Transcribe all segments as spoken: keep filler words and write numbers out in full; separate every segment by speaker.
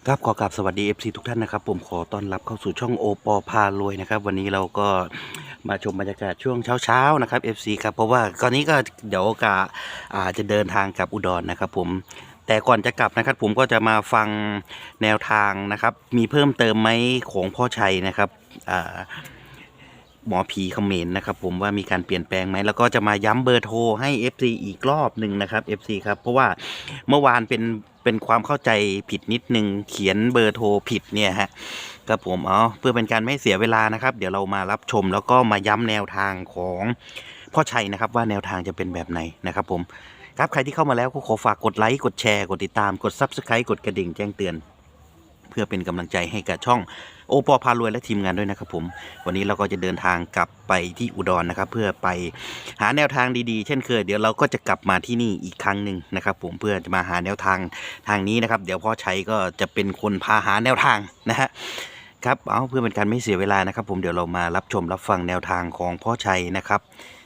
Speaker 1: ครับขอกราบสวัสดี เอฟ ซี ทุกท่านนะครับผมขอต้อนรับเข้าสู่ช่องโอปอพารวยนะครับวันนี้เราก็มาชมบรรยากาศช่วงเช้าๆนะครับ เอฟ ซี ครับเพราะว่าตอนนี้ก็เดี๋ยวกะอาจจะเดินทางกลับอุดรนะครับผมแต่ก่อนจะกลับนะครับผมก็จะมาฟังแนวทางนะครับมีเพิ่มเติมไหมของพ่อชัยนะครับอ่าหมอผีเขมรนะครับผมว่ามีการเปลี่ยนแปลงไหมแล้วก็จะมาย้ำเบอร์โทรให้ เอฟ ซี อีกรอบหนึ่งนะครับ เอฟ ซี ครับเพราะว่าเมื่อวานเป็นเป็นความเข้าใจผิดนิดนึงเขียนเบอร์โทรผิดเนี่ยฮะครับผมเอาเพื่อเป็นการไม่เสียเวลานะครับเดี๋ยวเรามารับชมแล้วก็มาย้ำแนวทางของพ่อชัยนะครับว่าแนวทางจะเป็นแบบไหนนะครับผมครับใครที่เข้ามาแล้วก็ขอฝากกดไลค์กดแชร์กดติดตามกด ซับสไครบ์ กดกระดิ่งแจ้งเตือนเพื่อเป็นกำลังใจให้กับช่องโอปอพารวยและทีมงานด้วยนะครับผมวันนี้เราก็จะเดินทางกลับไปที่อุดรนะครับเพื่อไปหาแนวทางดีๆเช่นเคยเดี๋ยวเราก็จะกลับมาที่นี่อีกครั้งหนึ่งนะครับผมเพื่อจะมาหาแนวทางทางนี้นะครับเดี๋ยวพ่อชัยก็จะเป็นคนพาหาแนวทางนะฮะครับเอาเพื่อเป็นการไม่เสียเวลานะครับผมเดี๋ยวเรามารับชมรับฟังแนวทางของพ่อชัยนะครับ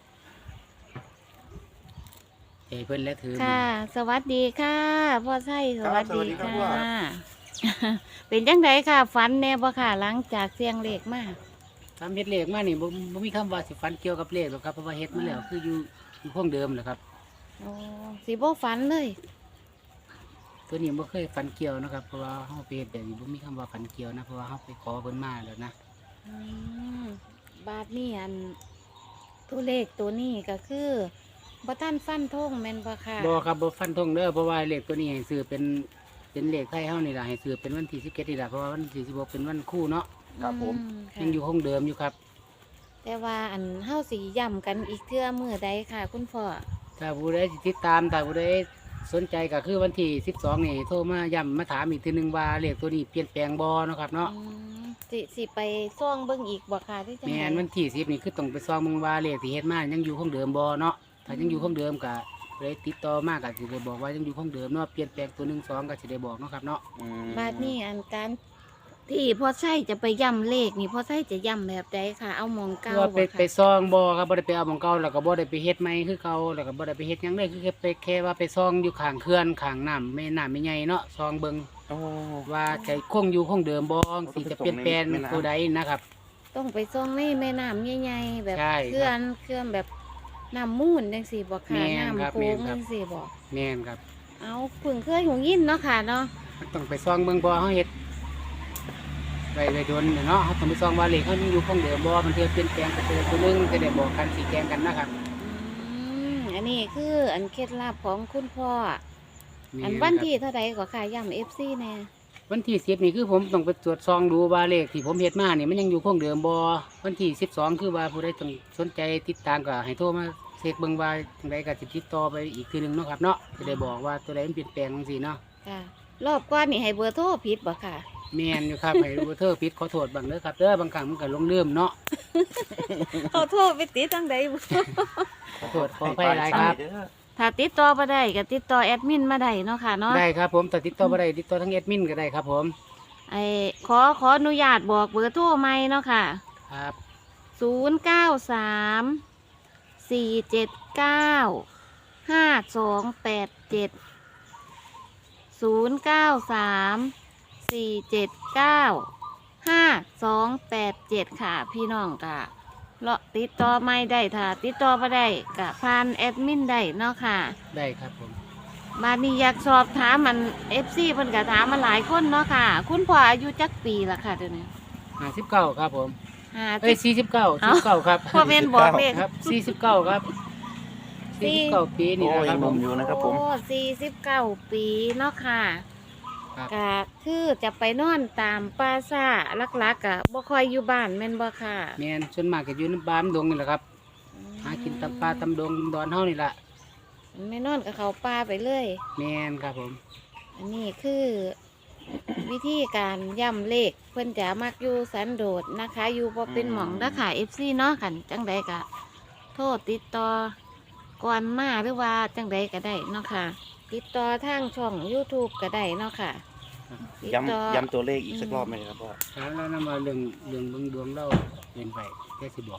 Speaker 2: เอ้ยเพิ่นและถือมือ
Speaker 3: ค่ะ สวัสดีค่ะพ่อไส้สวัสดี
Speaker 2: ครับสวัสดีครับ
Speaker 3: ค่ะ
Speaker 2: พ่อ
Speaker 3: เป็นจังไดค่ะฝันแน่บ่ค่ะหลังจากเสียงเลขมา
Speaker 2: ทำเฮ็ดเลขมานี่บ่บ่มีคำว่าสิฟันเกี่ยวกับเลขหรอกครับเพราะว่าเฮ็ดมาแล้วคืออยู่อยู่คงเดิมแหละครับ
Speaker 3: โอ้สิบ่ฝันเลย
Speaker 2: ตัวนี้บ่เคยฟันเกี่ยวนะครับเพราะว่าเฮาไปเฮ็ดแบบนี้บ่มีคำว่าฟันเกี่ยวนะเพราะว่าเฮาไปขอเพิ่นมาแล้วนะ
Speaker 3: อืมบาทนี่อันตัวเลขตัวนี้ก็คือบ่ทันฟันธงแม่นบ่ค่ะ
Speaker 2: บ่ครับบ่ฟันธงเด้อเพราะว่าเลขตัวนี้ให้ซื้อเป็นเป็นเลขไทยเฮานี่ล่ะให้ซื้อเป็นวันที่สิบเจ็ดนี่ล่ะเพราะว่าวันที่สิบหกเป็นวันคู่เนาะ
Speaker 1: ครับผม
Speaker 3: อืค่ะ
Speaker 2: ยังอยู่คงเดิมอยู่ครับ
Speaker 3: แต่ว่าอันเฮาสิย้ำกันอีกเทื่อมื้อใดค่ะ คุณพ่อ
Speaker 2: ถ้าผู้ใดสิติดตามถ้าผู้ใดสนใจก็คือวันที่สิบสองนี่โทรมาย้ำมาถามอีกทีหนึงว่าเลขตัวนี้เปลี่ยนแปลงบ่เนาะครับเนาะ
Speaker 3: อืมสิสิไปซ่องเบิ่งอีกบ่ค่ะที่จัง
Speaker 2: แม่
Speaker 3: ได๋
Speaker 2: นวันที่สิบนี่คือต้องไปซองเมึงว่าเลขที่เฮ็ดมายังอยู่คงเดิมบ่เนาะถ้ายังอยู่คงเดิมก็เลยติดต่อมาก็สิได้บอกว่ายังอยู่คงเดิมเนาะเปลี่ยนแปลงตัวหนึ่งสองก็สิได้บอกเนาะครับเนาะ
Speaker 3: บาทนี่อันการที่พ่อไส้จะไปย่ำเลขนี่พ่อไส้จะย่ำแบบใดค่ะ เอามอง
Speaker 2: คื
Speaker 3: เก้า
Speaker 2: อว่าไป
Speaker 3: บ่
Speaker 2: ไป
Speaker 3: ค่ะ
Speaker 2: ซองบ่ครับบ่ได้ไปเอาของเก่าแล้วก็บ่ได้ไปเฮ็ดใหม่คือเก่าแล้วก็บ่ได้ไปเฮ็ดหยังเลยคือแค่ไปแค่ว่าไปซองอยู่ข้างเขื่อนข้างน้ำแม่น้ำแม่ใหญ่เนาะซองเบิ่ง
Speaker 1: โอ้
Speaker 2: ว่าจะคงอยู่คงเดิมบ่สิจะเปลี่ยนแปลงตัวใดนะครับ
Speaker 3: ต้องไปซ่องในแม่น้ำใหญ่ๆแบบ
Speaker 2: ใช่ครับ
Speaker 3: เคลื่อนเคลื่อนแบบน้ำมูลจังสี่บ่ค่ะ
Speaker 2: แม่นครับ
Speaker 3: น้ำโค้
Speaker 2: แม่
Speaker 3: ง
Speaker 2: นครับ
Speaker 3: จังสี่บ่
Speaker 2: แม่นครับ
Speaker 3: เอาเพึ่งเคยหงยินเนาะค่ะเนาะ
Speaker 2: มันต้องไปซองเบิ่งเพอเฮาเฮ็ดไปไปโดนเนาะเฮาต้องไปซองว่าเลขเฮายังอยู่คงเดิมบ่มันเทื่อเปลี่ยนแปลงไปตัวตัวหนึงจะได้บอกกันสิแจ้งกันนะครับ
Speaker 3: อืมอันนี้คืออันเคล็ดลับของคุณพ่อ
Speaker 2: แม่
Speaker 3: อัน
Speaker 2: ครับ
Speaker 3: วันที่เท่าใดก็ค่ะย่ำ เอฟ ซี แน่
Speaker 2: วันที่สิบนี่คือผมต้องไปตรวจซองดูว่าเลขที่ผมเฮ็ดมานี่มันยังอยู่คงเดิมบ่วันที่สิบสองคือว่าผู้ใดต้องสนใจติดตามก็ให้โทรมาเช็คเบิ่งว่าจังไดก็สิติดต่อไปอีกทีหนึงเนาะครับเนาะจะได้บอกว่าตัวใดมันเปลี่ยนแปลงจังซี่เนาะ
Speaker 3: ค่ะ รอบก่อนนี่ให้เบอร์โทรผิดบ่ค่ะ
Speaker 2: แม่นอยู่ครับ ให้รู้เธอผิดขอโทษบังเด้อครับเด้อบางครั้งมันก็ลงลืมเนาะ
Speaker 3: เอาโทรไปติดตั้งใดบ่
Speaker 2: ขอโทษขออภัยหลายครับ
Speaker 3: ถ้าติดต่อมาได้ก็ติดต่อแอดมินมาได้เนาะค่ะเนาะ
Speaker 2: ได้ครับผมแต่ติดต่อบ่ได้ติดต่อทางแอดมินก็ได้ครับผม
Speaker 3: ไอ้ขอขออนุญาตบอกเบอร์โทรใหม่เนาะค่ะ
Speaker 2: ครับ
Speaker 3: ศูนย์เก้าสามสี่เจ็ดเก้าห้าสองแปดเจ็ดศูนย์เก้าสามสี่เจ็ดเก้าห้าสองแปดเจ็ดค่ะ พี่น้องกะเลาะติดต่อไม่ได้ถ้าติดต่อมาได้กะผ่านแอดมินได้เนาะค่ะ
Speaker 2: ได้ครับผม
Speaker 3: บานนี้อยากสอบถามมันเอฟซีเพิ่นก็ถามมาหลายคนเนาะค่ะ คุณพ่ออายุจักปีละค่ะเดี๋ยวนี้
Speaker 2: ห้าสิบเก้าครับผม
Speaker 3: ห้า
Speaker 2: เอ้ย
Speaker 3: สิบ
Speaker 2: สี่สิบเก้าสี่สิบเก้าครับ
Speaker 3: พ่อเมนบอกเลข
Speaker 2: ครับสี่สิบเก้าครับ
Speaker 3: สี่
Speaker 2: สี่สิบเก้าปีนี่
Speaker 1: โอ้
Speaker 2: นะค
Speaker 1: ยั
Speaker 2: รับ
Speaker 1: งห
Speaker 2: ผ
Speaker 1: นุ่
Speaker 2: ม
Speaker 1: มอยู่นะครับผม
Speaker 3: โอ้สี่สิบเก้าปีเนาะค่ะ
Speaker 2: ครับ
Speaker 3: กะคือจะไปนอนตามป่าซ่าลักๆกะบ่ค่อยอยู่บ้านแม่นบ่ค่ะ
Speaker 2: แม่นส่วนมากก็อยู่ในบ้านดงนี่แหละครับหากินตำปลาตำดงดอนเฮานี่แหละ
Speaker 3: ไม่นอนกับเขาป่าไปเลย
Speaker 2: แม่นครับผม
Speaker 3: อันนี้คือ วิธีการย่ำเลขเพิ่นจะมักอยู่สันโดษนะคะ อยู่บ่เป็นหม่องนะค่ะ เอฟ ซี เนาะกันจังใดกะโทษติดต่อก่อนมาหรือว่าจังใดก็ได้เนาะค่ะ ติดต่อทางช่อง YouTube ก็ได้เนาะค่ะติดต่อ
Speaker 1: ย้ำย้ำตัวเลขอีกสักรอบไหมครับพ่อ
Speaker 2: ถามแล้วนำมาเรื่องเรื่องเบิ่งดวงเราเรียนไปแค่สิบอกให้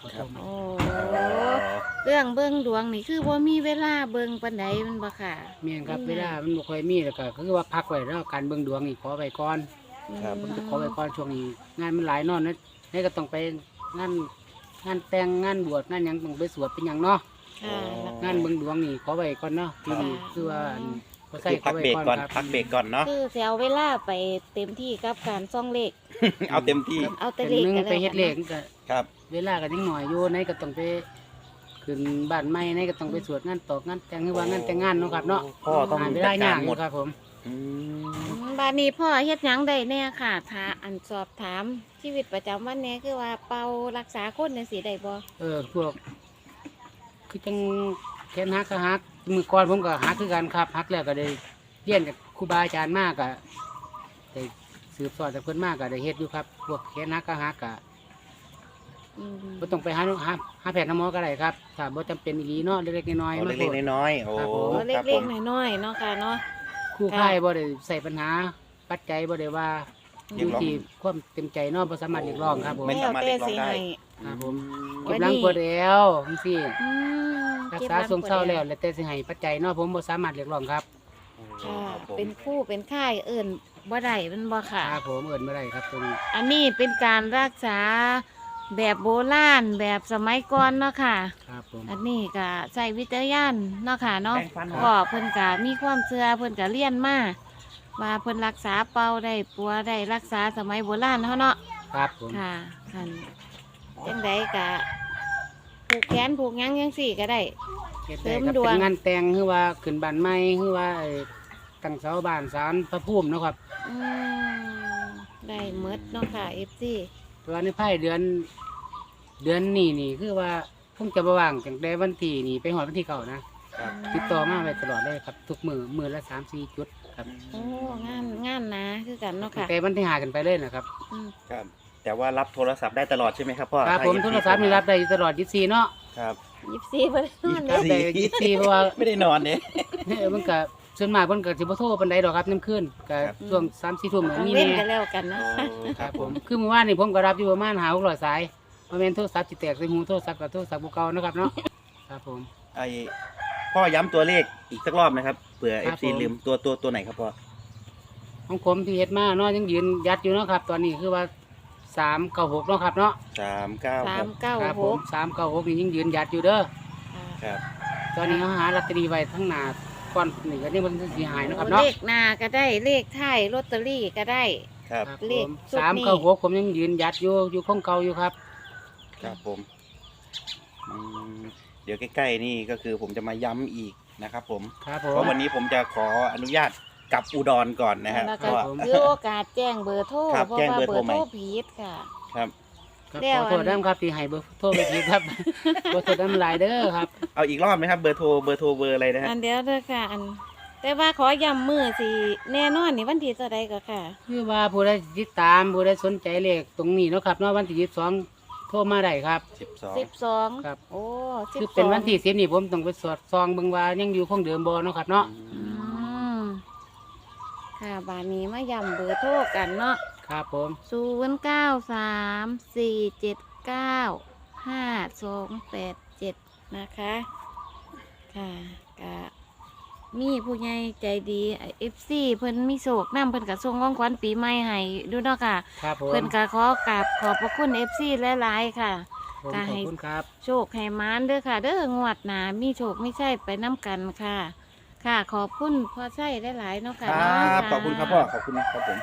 Speaker 1: ครับ
Speaker 3: โอ้เรื่องเบิ่งดวงนี่คือบ่มีเวลาเบิ่งปานใดแมันบ่ค่ะ
Speaker 2: เมียนครับ
Speaker 3: อืม
Speaker 2: เวลามันบ่ค่อยมีแล้วก็คือว่าพักไว้แล้วการเบิ่งดวงนี่ขอไว้ก่อน
Speaker 1: ครับ
Speaker 2: ผมจะขอไว้ก่อนช่วงนี้งานมันหลายเนอนนะนี่ก็ต้องไปงานงานแต่งงานบวชงานหยังต้องไปสวดเป็นหยังเนาะ
Speaker 3: ค่ะแล้ว
Speaker 2: งานเบิ่งดวงนี่ขอไว้ก่อนเนาะปีนี้
Speaker 3: ค่ะ
Speaker 2: คือว่าอันบ่ใส่
Speaker 1: คือ
Speaker 2: ข
Speaker 1: พั
Speaker 2: อก ไว้
Speaker 1: เบรก
Speaker 2: ก่อน
Speaker 1: ก่อน
Speaker 2: ครับ
Speaker 1: พักเบรกก่อนเนาะ
Speaker 3: คือสิเอาเวลาไปเต็มที่กับการซ่องเลข
Speaker 1: เอาเต็มที่
Speaker 3: เอาแต่
Speaker 2: เป็น
Speaker 3: เลข
Speaker 2: หนึง
Speaker 3: กัน
Speaker 2: ไป
Speaker 3: แล้ว
Speaker 2: เฮ็ดเลขก็
Speaker 1: ครับ
Speaker 2: เวลาก็ยังหน่อยอยู่ไหนก็ต้องไปขึ้นบ้านใหม่ไหนก็ต้องไปสวดงานตอกงานแต่งหรือว่างานแต่งงานเนาะครับเนาะ
Speaker 1: พ่อต้อง
Speaker 2: หาเว
Speaker 1: จั
Speaker 2: ลา
Speaker 1: ด
Speaker 2: ยาก
Speaker 1: าร
Speaker 2: อ
Speaker 1: หม
Speaker 2: ยู่
Speaker 1: ด
Speaker 2: ครับผม
Speaker 1: อืม
Speaker 3: อืมบัดนี้พ่อเฮ็ดหยังได้แน่ค่ะถ้าอันสอบถามชีวิตประจำวันแน่คือว่าเป่ารักษาคนจังซี่ได้บ่
Speaker 2: เออพวก คือจังแขนหักก็หักมือก่อนผมก็หักคือกันครับหักแล้วก็ได้เรียนกับครูบาอาจารย์มากก็ได้สืบสอนจากเพิ่นมากก็ได้เฮ็ดอยู่ครับพวกแขนหักก็หักก็
Speaker 3: อืม
Speaker 2: บ่ต้องไปหาหาหาแพทย์หาหมอก็ได้ครับถ้าบ่จำเป็นอีหลีเนาะเล็กๆน้อยๆ
Speaker 1: เอา
Speaker 2: มา
Speaker 1: เล็กๆน้อยๆโอ้
Speaker 2: ครับผม
Speaker 3: โอ้
Speaker 1: ครับผ
Speaker 3: เล็ก
Speaker 1: ม
Speaker 3: ๆน้อยๆเนาะค่ะเนาะ
Speaker 2: คู่ค่ายบ่ได้ใส่ปัญหาปัจจัยบ่ได้ว่าอ
Speaker 1: เรีย
Speaker 2: ยู่
Speaker 1: กร้อง
Speaker 2: ที่ความเต็มใจเนาะบ่สามารถเรียกร้องครับผม
Speaker 1: ไม่
Speaker 3: แล้ว
Speaker 1: สามารถ
Speaker 3: แต่
Speaker 1: เรียกร้อง
Speaker 3: สิ
Speaker 1: ได้
Speaker 3: ให้
Speaker 2: ครับผม
Speaker 3: วั
Speaker 2: เก็
Speaker 3: น
Speaker 2: บ
Speaker 3: นี้
Speaker 2: หลังปวดแล้วจังซี่
Speaker 3: อืม
Speaker 2: รัก
Speaker 3: เก็บ
Speaker 2: ษา
Speaker 3: หลัง
Speaker 2: ทรงเศร้า
Speaker 3: บ่ได้
Speaker 2: แล้วแล้วแต่สิให้ปัจจัยเนาะผมบ่สามารถเรียกร้องครับ
Speaker 3: ค่ะ
Speaker 1: ครับผม
Speaker 3: เป็นคู่เป็นค่ายเอิ่นบ่ได้เป็นบ่ค่ะ
Speaker 2: ครับผมเอิ้นบ่ได้ครับตรงนี้
Speaker 3: อันนี้เป็นการรักษาแบบโบราณแบบสมัยก่อนเนาะค่ะ
Speaker 2: ครับผม
Speaker 3: อันนี้ก็ใช้วิจารณญาณเนาะค่ะเนาะ
Speaker 1: แปรงฟันเหรอ
Speaker 3: พ่อเพิ่นก็มีความเชื่อเพิ่นก็เรียนมาว่าเพิ่นรักษาเป่าได้ปัวได้รักษาสมัยโบราณเฮาเนาะ
Speaker 2: ครับผม
Speaker 3: ค่ะคันจังไดก็ผูกแขนผูกหยังจังซี่ก็ได้
Speaker 2: เฮ็ด
Speaker 3: เสริ
Speaker 2: ได้
Speaker 3: ม
Speaker 2: ครับ
Speaker 3: ดวง
Speaker 2: เป็นงานแต่งหรือว่าขึ้นบ้านใหม่หรือว่าไอ้ตั้งเสาบ้านศาลพระภูมิเนาะครับ
Speaker 3: อืมได้หมดเนาะค่ะ เอฟ ซี
Speaker 2: แตัวาในภายเดือน เดือนนี้นี่คือว่าคงจะบ่ว่างจังได้วันที่นี่ไปฮอดวันที่เก่านะครับ ติดต่อมาไว้ตลอดเลยครับ ทุกมือมือละสามสี่จุดครับ
Speaker 3: โอ้งานงานนะคือกันเนาะ
Speaker 2: ตั้ง
Speaker 3: ค่ะ
Speaker 2: แต่วันที่หากันไปเลยนะครับ
Speaker 3: อืม
Speaker 1: ครับ แต่ว่ารับโทรศัพท์ได้ตลอดใช่ไหมครับพ่อ
Speaker 2: ครับผม
Speaker 1: ถ้า
Speaker 2: โทรศัพท์นี่รับได้อยู่ตลอดยี่สิบสี่เนาะ
Speaker 1: ครับ
Speaker 3: ยิบซีเพิ่นนอน
Speaker 1: ยี่
Speaker 3: เด้
Speaker 1: สิ
Speaker 3: อบ
Speaker 2: ได้ยี่สิบสี่เพราะว่า
Speaker 1: ไม่ได้นอนเนี่ย
Speaker 2: เออมันก็ส่วนมากมันก็สิบ่โทรปานใดดอกครับน้ำขึ้นก็
Speaker 1: ครับ
Speaker 2: ช่วงสามสี่ทุ่ม
Speaker 3: กลาง
Speaker 2: มี
Speaker 3: เว้น
Speaker 2: แน่
Speaker 3: กันแล้วกันเนาะ
Speaker 2: ครับผมคือเมื่อวานนี่ผมก็รับอยู่ประมาณหาหกร้อยสายบ่แม่นโทรศัพท์สิแตกใส่หูโทรศัพท์กับโทรศัพท์บ่เก่านะครับเนาะครับผม
Speaker 1: ไอพ่อย้ำตัวเลขอีกสักรอบนะครับเผื่อ
Speaker 2: ค
Speaker 1: เอ
Speaker 2: รับ
Speaker 1: ฟซี
Speaker 2: ผม
Speaker 1: ลืมตัวตัวตัวไหนครับพ่อ
Speaker 2: ของผมที่เฮ็ดมาเนาะยังยืนยัดอยู่เนาะครับ ตอนนี้คือว่าสามเก้าหกเนาะครับเนาะ
Speaker 1: สามเก้า
Speaker 3: สามเก้า
Speaker 2: ครับ
Speaker 3: ห
Speaker 2: ผม
Speaker 3: ก
Speaker 2: สามเก้าหกนี่ยังยืนยัดอยู่เด้อ
Speaker 1: ครับ
Speaker 2: ตอนนี้เขาหาลอตเตอรี่ไว้ทั้งหน้าก่อนนี่ก็นี่มันสิหายเนาะครับ
Speaker 3: เล
Speaker 2: เนาะ
Speaker 3: ขหน้าก็ได้เลขท้ายลอตเตอรี่ก็ได้
Speaker 1: ครับ
Speaker 2: ครับ
Speaker 3: เล
Speaker 2: ผ
Speaker 3: ข
Speaker 2: ม
Speaker 3: ชุดนี้
Speaker 2: สามเก้าหกผมยังยืนยัดอยู่อยู่ของเก่าอยู่ครับ
Speaker 1: ครับผมอืมเดี๋ยวใกล้ๆนี่ก็คือผมจะมาย้ำอีกนะครับผม
Speaker 2: ครับผ
Speaker 1: เพ
Speaker 2: ม
Speaker 1: ราะวันนี้ผมจะขออนุญาตกลับอุดรก่อนนะฮะ
Speaker 3: แล้ว
Speaker 1: เพ
Speaker 3: ก็
Speaker 1: ราะว่า
Speaker 3: ถือโอกาสแจ้งเบอร์โทร
Speaker 1: ครับ
Speaker 3: เพราะ
Speaker 1: แจ้ง
Speaker 3: ว่า
Speaker 1: เบอร์
Speaker 3: เบอ
Speaker 1: โทร
Speaker 3: ร์
Speaker 1: ใหม่
Speaker 3: โทรผิดค่ะ
Speaker 1: ครับ
Speaker 2: ครับ
Speaker 3: แล้ว
Speaker 2: ขอโทษด้วยครับที่ให้เบอร์โทรไปทีครับ ขอโทษน้ำลายเด้อครับ
Speaker 1: เอาอีกรอบไหมครับเบอร์โทรเบอร์โทรเบอร์อะไรนะฮะ
Speaker 3: อันเดียวเด้อค่ะ อัน แต่ว่าขอย้ำมือสิแน่นอนนี่วันที่เท่าใดก็ค่ะ
Speaker 2: คือว่าผู้ใดติดตามผู้ใดสนใจเลขตรงนี้เนาะครับเนาะวันที่ยี่สิบสองโทรมาได้ครับ
Speaker 1: สิบสอง
Speaker 3: สิบสอง
Speaker 2: ครับ
Speaker 3: โอ้สิบ
Speaker 2: คือ
Speaker 3: ส
Speaker 2: เป็น
Speaker 3: อง
Speaker 2: วันที่สิบนี่ผมต้องไปสวดซองเบิ่งว่ายังอยู่คงเดิมบ่เนาะครับเนาะ
Speaker 3: อืมค่ะบานนี้มาย้ำเบอร์โทรกันเนาะ
Speaker 2: ครับผม
Speaker 3: ศูนย์เก้าสามสี่เจ็ดเก้าห้าสองแปดเจ็ดนะคะ ค่ะกะมีผู้ใหญ่ใจดีเอฟซีเพิ่นมีโศกน้ำเพิ่นกะส่งของขวัญปีใหม่ให้ดูเนาะค่ะ
Speaker 2: ครับผม
Speaker 3: เพิ่นกะขอกราบขอบพระคุณเอฟซีหลายๆค่ะ
Speaker 2: ผม
Speaker 3: ก็
Speaker 2: ข
Speaker 3: ให้
Speaker 2: อบคุณครับ
Speaker 3: โชคให้มานเด้อค่ะ เด้องวดหนามีโชคไม่ใช่ไปน้ำกันค่ะ ค่ะขอบคุณพ่อใช่หลายๆเนาะ
Speaker 1: ค
Speaker 3: ค่ะ
Speaker 1: รั
Speaker 3: เนาะ
Speaker 1: บขอบคุณครับพ่อขอบคุณครับผม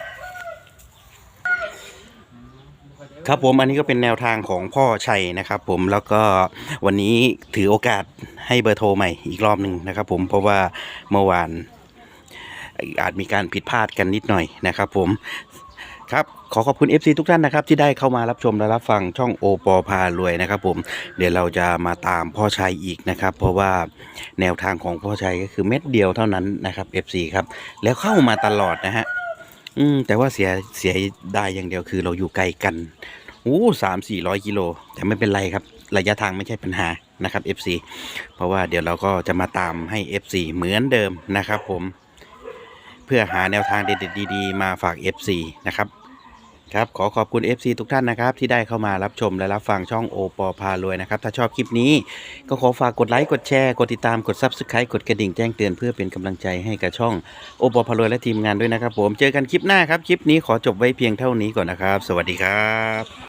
Speaker 2: ครับ
Speaker 1: ผมอันนี้ก็เป็นแนวทางของพ่อชัยนะครับผมแล้วก็วันนี้ถือโอกาสให้เบอร์โทรใหม่อีกรอบหนึ่งนะครับผมเพราะว่าเมื่อวานอาจมีการผิดพลาดกันนิดหน่อยนะครับผมครับขอขอบคุณ เอฟ ซี ทุกท่านนะครับที่ได้เข้ามารับชมและรับฟังช่องโอปอพารวยนะครับผมเดี๋ยวเราจะมาตามพ่อชัยอีกนะครับเพราะว่าแนวทางของพ่อชัยก็คือเม็ดเดียวเท่านั้นนะครับ เอฟ ซี ครับแล้วเข้ามาตลอดนะฮะอืมแต่ว่าเสียเสียได้อย่างเดียวคือเราอยู่ไกลกันโอ้สามสี่ร้อยกิโลแต่ไม่เป็นไรครับระยะทางไม่ใช่ปัญหานะครับ เอฟ ซี เพราะว่าเดี๋ยวเราก็จะมาตามให้ เอฟ ซี เหมือนเดิมนะครับผมเพื่อหาแนวทางเด็ดๆดีๆมาฝาก เอฟ ซี นะครับครับขอขอบคุณ เอฟ ซี ทุกท่านนะครับที่ได้เข้ามารับชมและรับฟังช่องโอปอพารวยนะครับถ้าชอบคลิปนี้ก็ขอฝากกดไลค์กดแชร์กดติดตามกด ซับสไครบ์ กดกระดิ่งแจ้งเตือนเพื่อเป็นกำลังใจให้กับช่องโอปอพารวยและทีมงานด้วยนะครับผมเจอกันคลิปหน้าครับคลิปนี้ขอจบไว้เพียงเท่านี้ก่อนนะครับสวัสดีครับ